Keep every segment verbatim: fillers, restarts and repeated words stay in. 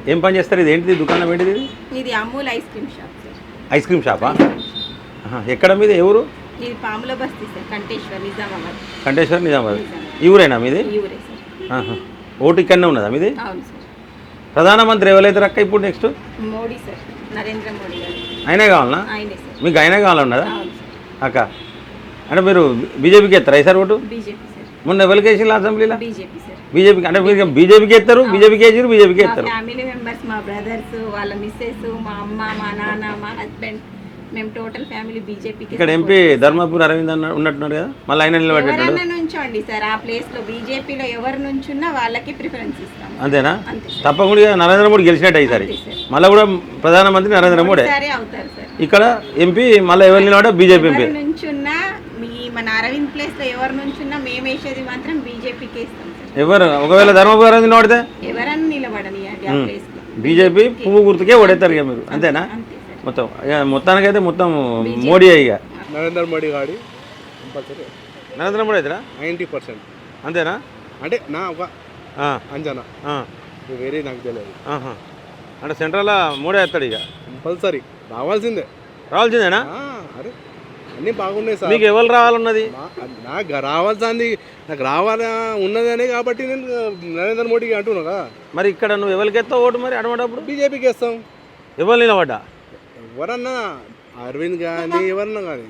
ఏం పని చేస్తారు? ఇది ఏంటిది దుకాణం ఏంటిది? ఇది ఇది Amul ice cream shop sir. Ice cream షాపా? ఎక్కడ మీది? ఎవరు? ఇది పాముల బస్తీ సార్, కంటేశ్వర్ నిజామాబాద్. కంటేశ్వర్ నిజామాబాద్. ఈ ఊరేనా మీది? ఈ ఊరే సార్. ఓటు ఇక్కడనే ఉన్నదా మీది? అవును సార్. ప్రధానమంత్రి ఎవరైతారు అక్క ఇప్పుడు నెక్స్ట్? మోడీ సార్, నరేంద్ర మోడీ గారు. ఆయనే కావాలనా? ఆయనే సార్. మీకు ఆయనే కావాలన్నదా అవును సార్. అక్క? అంటే మీరు బీజేపీకి ఎత్తారా ఈసారి ఓటు? BJP sir. మొన్న ఎవరికి వేసిండ్రు అసెంబ్లీలో? BJP sir. బీజేపీకి అంటే మీరు బీజేపీకి ఎత్తారు, బీజేపీకి వేసారు, బీజేపీకి మా ఎత్తారు. ఫ్యామిలీ మెంబర్స్, మా బ్రదర్స్, వాళ్ళ మిస్సెస్, మా అమ్మ, మా నాన్న, మా హస్బెండ్, మేము టోటల్ ఫ్యామిలీ బీజేపీకి. ఇక్కడ ఎంపీ ధర్మపూర్ అరవింద్ అన్న ఉన్నట్టున్నారు కదా, మళ్ళీ ఆయన నిలబెట్టాడు. ఎవరన్నా నుంచోండి సార్, ఆ ప్లేస్ లో బీజేపీలో ఎవరు నుంచున్నా వాళ్ళకి ప్రిఫరెన్స్ ఇస్తాం. అంతేనా? అంతే సార్. తప్పకుండా నరేంద్ర మోడీ గెలిచినట్టు ఈసారి. మళ్ళీ కూడా ప్రధానమంత్రి నరేంద్ర మోడీ సరే అవుతారు సార్. ఇక్కడ ఎంపీ మళ్ళీ ఎవరు నిలబడ్డా బీజేపీ ఎంపీ నుంచున్నా, మీ మన అరవింద్ ప్లేస్ లో ఎవరు నుంచున్నా మేము వేసేది మాత్రం బీజేపీకి ఇస్తాం సార్. ఎవరు ఒకవేళ ధర్మపూర్ అరవింద్ నిలబడితే ఎవరన్నా నిలబడని ఆ ప్లేస్ లో బీజేపీ పువ్వు గుర్తుకే ఓడేస్తారు ఇక మీరు. అంతేనా? మొత్తం మొత్తానికైతే మొత్తం మోడీ ఇక నరేంద్ర మోడీ గాడి కంపల్సరీ నరేంద్ర మోడీ అవుతారా? Ninety percent. అంతేనా? అంటే నా ఒక అంచనా, వేరే నాకు తెలియదు. అంటే సెంట్రల్లో మోడీ వేస్తాడు ఇక కంపల్సరీ రావాల్సిందే. రావాల్సిందేనా? అరే అన్నీ బాగున్నాయి సార్. మీకు ఎవరు రావాలన్నది? నాకు రావాల్సింది, నాకు రావాల ఉన్నది అని కాబట్టి నేను నరేంద్ర మోడీకి అంటున్నా కదా. మరి ఇక్కడ నువ్వు ఎవరికి ఎత్తావు ఓటు? మరి అడమటప్పుడు బీజేపీకి వేస్తాం. ఎవరు నిలబడ్డా? ఎవరన్నా అరవింద్ కానీ ఎవరన్నా కానీ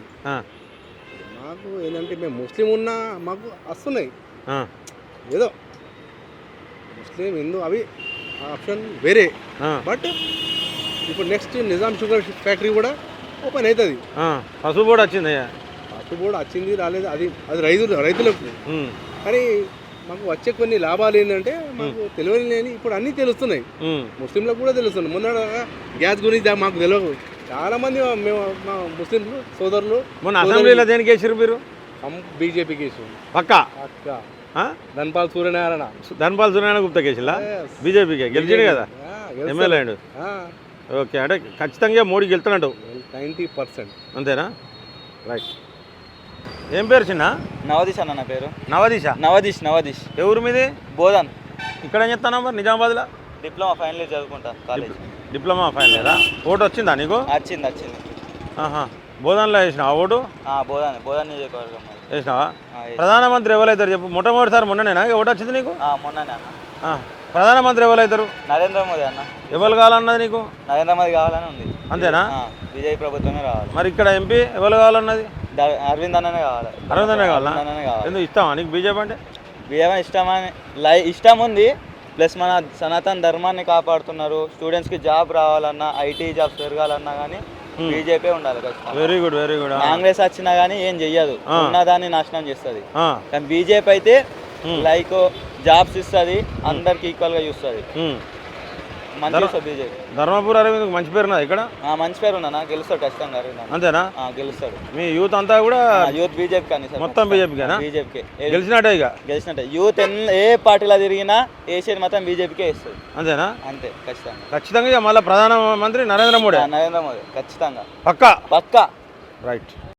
మాకు ఏంటంటే మేము ముస్లిం ఉన్నా మాకు వస్తున్నాయి ఏదో ముస్లిం హిందూ అవి ఆప్షన్ వేరే. బట్ ఇప్పుడు నెక్స్ట్ నిజాం షుగర్ ఫ్యాక్టరీ కూడా ఓపెన్ అవుతుంది. పసుపు బోర్డు వచ్చింది. పసుపు బోర్డు వచ్చింది రాలేదు, అది అది రైతులు రైతులకు. కానీ మాకు వచ్చే కొన్ని లాభాలు ఏంటంటే మాకు తెలియని లేని ఇప్పుడు అన్నీ తెలుస్తున్నాయి, ముస్లింలకు కూడా తెలుస్తున్నాయి. మొన్న గ్యాస్ గురించి మాకు తెలియదు. చాలా మంది మేము మా ముస్లిం సోదరులు మొన్న అసెంబ్లీలో దేనికి వేసారు మీరు? బీజేపీకి వేసారు. పక్కా పక్క ధన్పాల్ సూర్యనారాయణ ధన్పాల్ సూర్యనారాయణ గుప్తా కేసులా బీజేపీకి గెలిచిండు కదా ఎమ్మెల్యే అయ్యాడు. ఓకే, అంటే ఖచ్చితంగా మోడీ గెలుతున్నాడు నైంటీ పర్సెంట్. అంతేనా? రైట్. ఏం పేరు చిన్న? నవదీష్ అన్న నా పేరు. నవదీష? నవదీష్ నవదీష్. ఎవరు మీది? బోధన్. ఇక్కడ ఏం చెప్తాను మరి నిజామాబాద్లో? డిప్లొమా ఫైనల్ ఇయర్ చదువుకుంటా కాలేజ్. డిప్లొమా ఫైనల్ ఇయరా? ఓటు వచ్చిందా నీకు? వచ్చింది వచ్చింది. బోధన్లో వేసినావా ఓటు? బోధన్ బోధన్ నియోజకవర్గం వేసినావా? ప్రధానమంత్రి ఎవరైతారు చెప్పు? మొట్టమొదటిసారి మొన్ననేనా ఓటు వచ్చింది నీకు? మొన్ననే అన్న. ప్రధానమంత్రి ఎవరైతారు? నరేంద్ర మోదీ అన్న. ఎవరు కావాలన్నది నీకు? నరేంద్ర మోదీ కావాలని ఉంది. అంతేనా? బీజేపీ ప్రభుత్వమే రావాలి. మరి ఇక్కడ ఎంపీ ఎవరు కావాలన్నది? అరవింద్ అన్ననే కావాలి. అరవింద్ అనే కావాలా? ఎందుకు ఇష్టమా నీకు బీజేపీ అంటే? బీజేపీ ఇష్టమని లై ఇష్టం ఉంది, ప్లస్ మన సనాతన ధర్మాన్ని కాపాడుతున్నారు. స్టూడెంట్స్కి జాబ్ రావాలన్నా, ఐటీ జాబ్స్ పెరగాలన్నా కానీ బీజేపీ ఉండాలి. Very good very good. Congress వచ్చినా కానీ ఏం చెయ్యదు, ఉన్నదాన్ని నాశనం చేస్తుంది. కానీ బీజేపీ అయితే లైక్ జాబ్స్ ఇస్తుంది, అందరికి ఈక్వల్ గా చూస్తుంది. మంచి బీజేపీ. ధర్మపూర్ అరవింద్ మంచి పేరు ఉన్నది ఇక్కడ? మంచి పేరు ఉన్నా గెలుస్తాడు ఖచ్చితంగా. అంతేనా? గెలుస్తాడు. మీ యూత్ అంతా కూడా యూత్ బీజేపీ కానీ మొత్తం బీజేపీకేనా? బీజేపీకే గెలిచినట్టే ఇక గెలిచినట్టే. యూత్ ఏ పార్టీలో తిరిగినా ఏషియన్ మాత్రం బీజేపీకే ఇస్తుంది. అంతేనా? అంతే ఖచ్చితంగా. ఖచ్చితంగా మళ్ళీ ప్రధానమంత్రి నరేంద్ర మోడీ. నరేంద్ర మోదీ ఖచ్చితంగా పక్కా పక్కా. రైట్.